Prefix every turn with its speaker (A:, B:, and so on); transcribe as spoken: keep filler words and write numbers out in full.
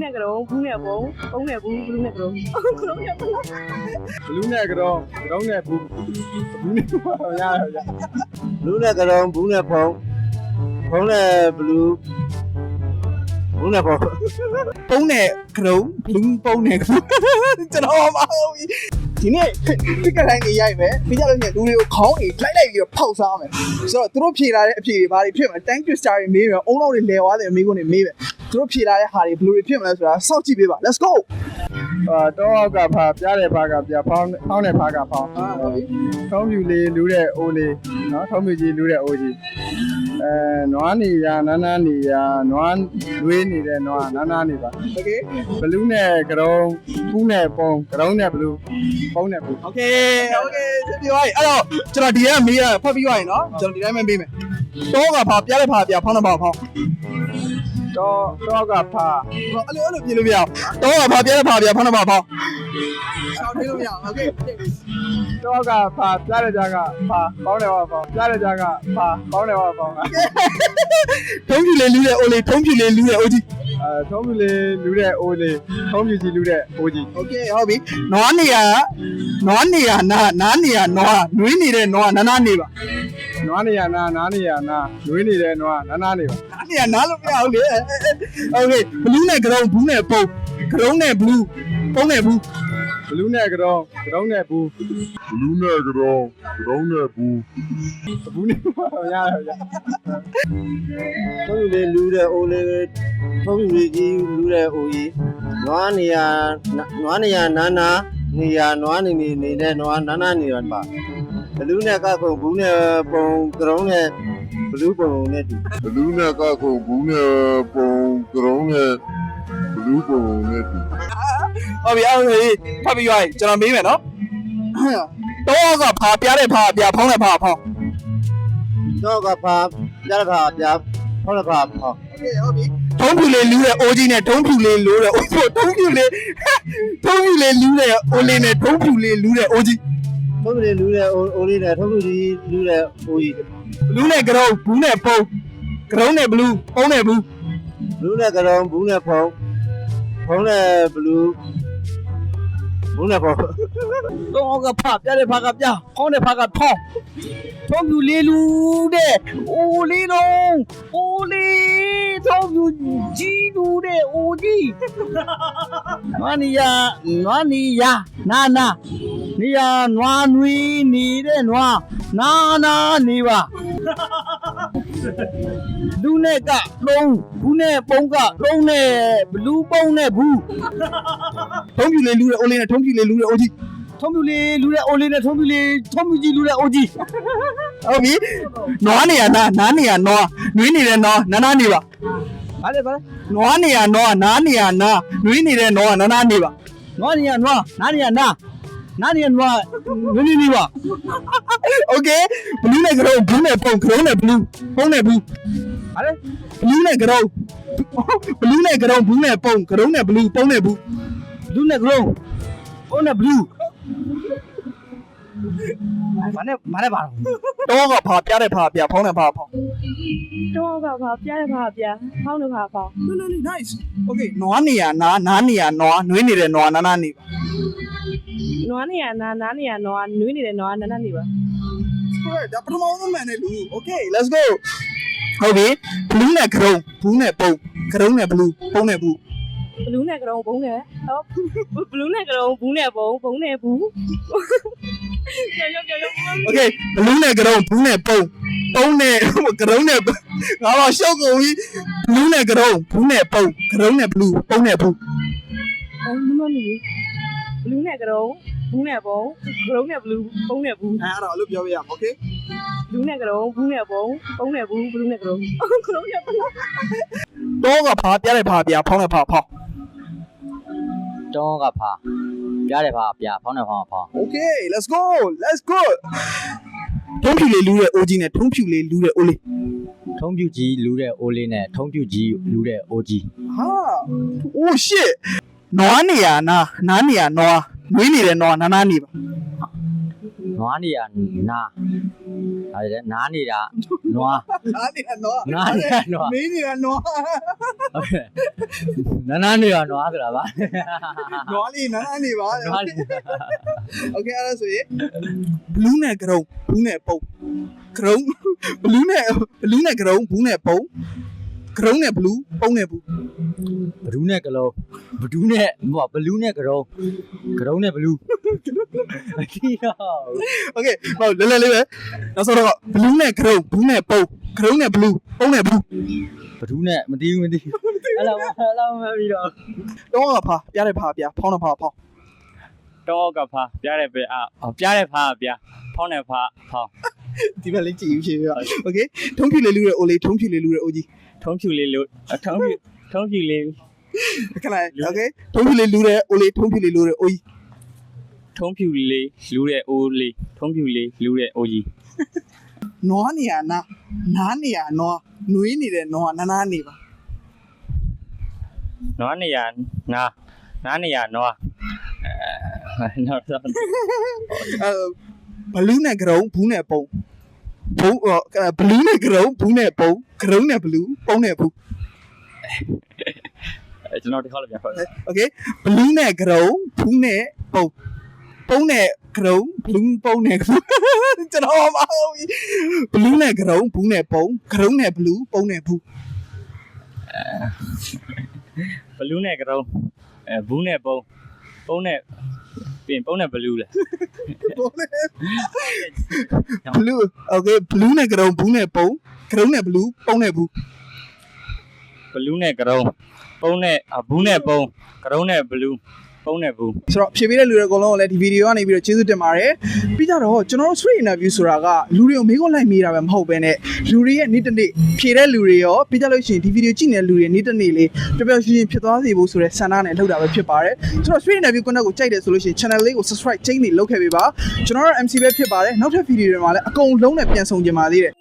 A: နဲ့ကရုံဘူးနဲ့ပုံပုံနဲ့ဘူးဘလူးနဲ့ကရုံကရုံနဲ့ပုံ
B: ဘလူးနဲ့ကတော့ကတော့နဲ့ဘူးဘူးနဲ့ပါရရရ
C: ဘလူးနဲ့ကတော့ဘူးနဲ့ဖုံဖုံနဲ့ဘလူးဘူးနဲ့ဖုံ
D: ပုံးနဲ့ကရုံဘလူးပုံးနဲ့ကရုံကျွန်တော်မဟုတ်ဘူးဒီနေ့ဒီကတိုင်းနေရိုက်မယ်ပြီးကြလို့ညလူတွေကိုခေါင်းတွေလိုက်လိုက်ပြီးတော့ဖောက်စားမယ်ဆိုတော့သူတို့ဖြေလာတဲ့အဖြေတွေဘာတွေဖြစ်မလဲ time twister တွေမေးမယ်အုံနောက်တွေလဲသွားတယ်အမေကုန်တွေမေးမယ်သူတို့ဖြေလာတဲ့ဟာတွေဘယ်လိုတွေဖြစ်မလဲဆိုတာစောင့်ကြည့်ပေးပါ let's go
B: အာတော့အောက်ကဖာပြားတဲ့ဖာကပြားဖောင်းဖောင်းတဲ့ဖာကဖောင်းထုံးပြူလေးလူးတဲ့အိုးလေးနော်ထုံးပြူကြီးလူးတဲ့အိုးကြီးအဲနွားနေရနားနားနေရနွားလွေးနေတဲ့နွားနားနားနေပါ
D: okay
B: ဘလူးနဲ့ကရုံဘူးနဲ့ပုံကရုံနဲ့ဘလူးပုံနဲ့ဘူး
D: okay okay ပြောရအဲ့တော့ကျွန်တော်ဒီကမေးရဖတ်ပြီးသွားရင်နော်ကျွန်တော်ဒီတိုင်းပဲမေးမယ်တော့ကဖာပြားတဲ့ဖာပြားဖောင်းတဲ့ဖာဖောင်း
B: တော့တော့ကဖာ
D: အဲ့လိုအဲ့လိုပြင်လို့မရအောင်တော့ကဖာပြားတဲ့ဖာပြားဖောင်းတဲ့ဖာဖောင်းရှောင်းထိလို့မရအောင် okay
B: တော့ကဖာပြားတဲ့ကြားကဖာပေါင်းတယ်ပါပေါင်းပြားတဲ့ကြားကဖာပေါင်းတယ်ပါပေါင်း
D: ထုံးပြူလေးလူးတဲ့အိုလေးထုံးပြူလေးလူးတဲ့အိုကြီး
B: အဲထုံးပြူလေးလူးတဲ့အိုးလေးထုံးပြူကြီးလူးတဲ့အိုးကြီး
D: okay ဟုတ်ပြီနွားနေရနွားနေရနာနားနေရနွားနွေးနေတဲ့နွားနားနားနေပါ
B: နွားနေရနာနားနေရနာနွေးနေတဲ့နွားနာနာနေပါ
D: နားနေရနားလို့မရဘူးလေ okay ဘလူးနဲ့ကရုံဘူးနဲ့ပုံကရုံနဲ့ဘလူးပုံနဲ့ဘူး
B: ဘလူးနဲ့ကတော့ကရုံနဲ့ဘူး
E: ဘလူးနဲ့ကတော့ကတော့နဲ့ဘူး
B: ဘူးနဲ့ပါရရရ
C: ထုံးပြူလေးလူးတဲ့အိုးလေးထုံးပြူလေးကြီးလူးတဲ့အိုးကြီးနွားနေရနွားနေရနာနာနေရနွားနေနေနေတဲ့နွားနာနာနေရပါဘလူးနဲ့ကကုံဘူးနဲ့ပုံကရုံနဲ့ဘလူးပုံနဲ့တူ
E: ဘလူးနဲ့ကခုဘူးနဲ့ပုံကတော့နဲ့ဘလူးပုံနဲ့တူ
D: ဟုတ်ပြီအဲ့ဒါဖတ်ပြီးသွားရင်ကျွန်တော်မေးမယ်နော်တော့ကဖာပြားတဲ့ဖာပြားဖောင်းတဲ့ဖာဖောင်း
C: တော့ကဖာပြားတဲ့ဖာပြားဖောင်းတဲ့ဖာဖောင်း
D: okay ဟုတ်ပြီထုံးပြူလေးလူးတဲ့အိုးကြီးနဲ့ထုံးပြူလေးလူးတဲ့အိုးထုံးပြူလေးထုံးပြူလေးလူးတဲ့အိုးလေးနဲ့ထုံးပြူလေးလူးတဲ့အိုးကြီး
C: ထုံးပြူလေးလူးတဲ့အိုးလေးနဲ့ထုံးပြူကြီးလူးတဲ့အိုးကြီး
D: ဘလူးနဲ့ကရုံဘူးနဲ့ပုံကရုံနဲ့ဘလူးပုံနဲ့ဘူး
C: ဘလူးနဲ့ကတော့ဘူးနဲ့ဖုံဖုံနဲ့ဘလူးဘူးနဲ့ဖုံ
D: တော့ကဖာပြတဲ့ဖာကပြဖောင်းတဲ့ဖာကဖောင်းထုံးပြူလေးလူတဲ့အိုးလေးလုံးအိုးလေးထုံးပြူကြီးလူတဲ့အိုးကြီးနွားနီယာနွားနီယာနာနာနီယာနွားနွေးနေတဲ့နွားနာနာနေပါလူနဲ့ကလုံးဘူးနဲ့ပုံကလုံးနဲ့ဘလူးပုံနဲ့ဘူးထုံးပြူလေးလူတဲ့အိုးလေးနဲ့ထုံးပြူလေးလူတဲ့အိုးကြီးထုံးပြူလေးလူတဲ့အိုးလေးနဲ့ထုံးပြူလေးထုံးပြူကြီးလူတဲ့အိုးကြီးဟုတ်ပြီနွားနေရနာနားနေရနွားနွေးနေတဲ့နွားနာနာနေပါဘာလဲဘာလဲနွားနေရနွားနားနေရနာနွေးနေတဲ့နွားနာနာနေပါနွားနေရနွားနားနေရနာနားနေရနွားနွေးနေနေပါโอเคဘလူးနဲ့ကရုံဘူးနဲ့ပုံကရုံနဲ့ဘလူးပုံနဲ့ဘူးဘာလဲဘလူးနဲ့ကရုံဘလူးနဲ့ကရုံဘူးနဲ့ပုံကရုံနဲ့ဘလူးပုံနဲ့ဘူးဘလူးနဲ့ကရုံပုံနဲ့ဘလူးဘာနဲ့ဘာနဲ့ပါတော့တော့ကဖာပြတဲ့ဖာပြဖောင်းတဲ့ဖာဖောင်း
A: တော့ကဘာပြားတဲ့ဘာပြားဖောင်းတဲ့ဘာဖောင်း
D: no no no nice okay နွားနေရနာနားနေရနွားနွေးနေတဲ့နွားနာနာနေပါ
A: နွားနေရနာနားနေရနွားနွေးနေတဲ့နွားနာနာနေပါ
D: ဟုတ်ဒါပထမဆုံးမှန်တယ်လူ okay let's go ဟုတ်ပြီဘလူးနဲ့ကရုံဘူးနဲ့ပုံကရုံနဲ့ဘလူးပုံနဲ့ဘူး
A: ဘလူးနဲ့ကရုံဘုံနဲ့ဟောဘလူးနဲ့ကရုံဘူးနဲ့ဘုံဘုံနဲ့ဘူးကြောက်ကြောက်ကြောက်
D: okay ဘလူးနဲ့ကရုံဘူးနဲ့ပုံပုံနဲ့ကရုံနဲ့ငါတော့ရှောက်ကုန်ပြီဘလူးနဲ့ကရုံဘူးနဲ့ပုံကရုံနဲ့ဘလူးပုံနဲ့ဘူး
A: အော်မမမီဘလူးနဲ့ကရုံဘူးနဲ့ဘုံကရုံနဲ့ဘလူးဘုံနဲ့ဘူး
D: အဲ့ဒါအဲ့လိုပြောပြရအောင် okay
A: ဘလူးနဲ့ကရုံဘူးနဲ့ဘုံဘုံနဲ့ဘူးဘလူးနဲ့ကရုံကရုံနဲ့ဘလူး
D: တော့ကဖာပြတဲ့ဖာပြဖောင်းတဲ့ဖာဖောင်း
F: တော့ကဖာပြားတယ်ဖာပြားဖောင်းတယ်ဖောင်းဖောင်း
D: okay let's go let's go ထုံးဖြူလေးလူးတဲ့အိုးကြီးနဲ့ထုံးဖြူလေးလူးတဲ့အိုးလေး
F: ထုံးပြူကြီးလူတဲ့အိုးလေးနဲ့ထုံးပြူကြီးလူတဲ့အိုးကြီး
D: ဟာ oh shit နွားနေရနာနားနေရနွားနွေးနေတဲ့နွားနာနာနေပါ
F: နွားနေရနာဒါကြတဲ့နားနေတာနွား
D: နားနေတာနော်
F: နားနေတာနွား
D: မင်းနေတာနော်
F: ဟုတ်ကဲ့နားနားနေရနွားဆိုတာပါ
D: နော်လေးနားနေပါ
F: နွားနေ
D: โอเคအဲ့ဒါဆိုရင်ဘလူးနဲ့ကရုံဘူးနဲ့ပုံကရုံဘလူးနဲ့ဘလူးနဲ့ကရုံဘူးနဲ့ပုံကရုံနဲ့ဘလူးပုံနဲ့ဘူး
F: ဘဒူးနဲ့ကလုံးဘဒူးနဲ့ဟိုဘလူးနဲ့ကရုံကရုံနဲ့ဘလူးအတီးတော့
D: โอเคဟောလဲလဲလေးပဲနောက်ဆုံးတော့ဘလူးနဲ့ကရုံဘူးနဲ့ပုံကရုံနဲ့ဘလူးပုံနဲ့ဘူး
F: ဘဒူးနဲ့မတီးဘူးမတီးဘူးအဲ့လိုအဲ့လိုမပြီးတော့
D: တော့ကဖာပြတဲ့ဖာပြဖောင်းတဲ့ဖာဖောင်း
G: တော့ကဖာပြတဲ့ပဲအာပြတဲ့ဖာပြဖောင်းတဲ့ဖာဖောင်း
D: ဒီဘက်လေးကြည့်ယူရှင်ပြโอเคထုံးဖြူလေးလူတဲ့အိုလေးထုံးဖြူလေးလူတဲ့အိုကြီး
G: ထုံးဖြူလေးလို့ထုံးဖြူထုံးဖြူလေး
D: ခဏโอเคထုံးဖြူလေးလူတဲ့အိုလေးထုံးဖြူလေးလူတဲ့အိုကြီး
G: ထုံးဖြူလေးလူတဲ့အိုးလေးထုံးဖြူလေးလူတဲ့အိုးကြီး
D: နွားနေရနာနားနေရနွားနွေးနေတဲ့နွားနားနားနေပါ
G: နွားနေရနာနားနေရနွားအဲနောက်တော့
D: အဲဘလူးနဲ့ကရုံဘူးနဲ့ပုံဘူးဘလူးနဲ့ကရုံဘူးနဲ့ပုံကရုံနဲ့ဘလူးပုံနဲ့ဘူး
G: အဲကျွန်တော်ဒီခေါက်လည်းပြန်ခေါ်တယ်
D: โอเคဘလူးနဲ့ကရုံဘူးနဲ့ပုံပုံနဲ့ကရုံဘလူးပုံနဲ့ကျွန်တော်မဟုတ်ဘလူးနဲ့ကရုံဘူးနဲ့ပုံကရုံနဲ့ဘလူးပုံနဲ့ဘူး
G: ဘလူးနဲ့ကရုံအဲဘူးနဲ့ပုံပုံနဲ့ပြင်ပုံနဲ့ဘလူးလေ
D: ဘလူးโอเคဘလူးနဲ့ကရုံဘူးနဲ့ပုံကရုံနဲ့ဘလူးပုံနဲ့ဘူး
G: ဘလူးနဲ့ကရုံပုံနဲ့ဘူးနဲ့ပုံကရုံနဲ့ဘလူးပုံနဲ့ဘူး
D: ဆိုတော့ဖြည့်ပေးတဲ့လူတွေအကုန်လုံးကိုလည်းဒီဗီဒီယိုကနေပြီးတော့ကျေးဇူးတင်ပါတယ်ပြီးကြတော့ကျွန်တော်တို့ street interview ဆိုတာကလူတွေကိုမေးခွန်းလိုက်မေးတာပဲမဟုတ်ဘဲနဲ့လူတွေရဲ့နေ့တစ်နေ့ဖြည့်တဲ့လူတွေရောပြီးကြလို့ရှိရင်ဒီဗီဒီယိုကြည့်နေတဲ့လူတွေနေ့တစ်နေ့လေးပျော်ပျော်ရွှင်ရွှင်ဖြစ်သွားစေဖို့ဆိုတဲ့ဆန္ဒနဲ့လုပ်တာပဲဖြစ်ပါတယ်ဆိုတော့ street interview content ကိုကြိုက်တယ်ဆိုလို့ရှိရင် channel လေးကို subscribe ချိန်နေလုပ်ခဲ့ပေးပါကျွန်တော်တို့ M C ပဲဖြစ်ပါတယ်နောက်ထပ်ဗီဒီယိုတွေမှာလည်းအကုန်လုံးနဲ့ပြန်ဆောင်ကြပါသေးတယ်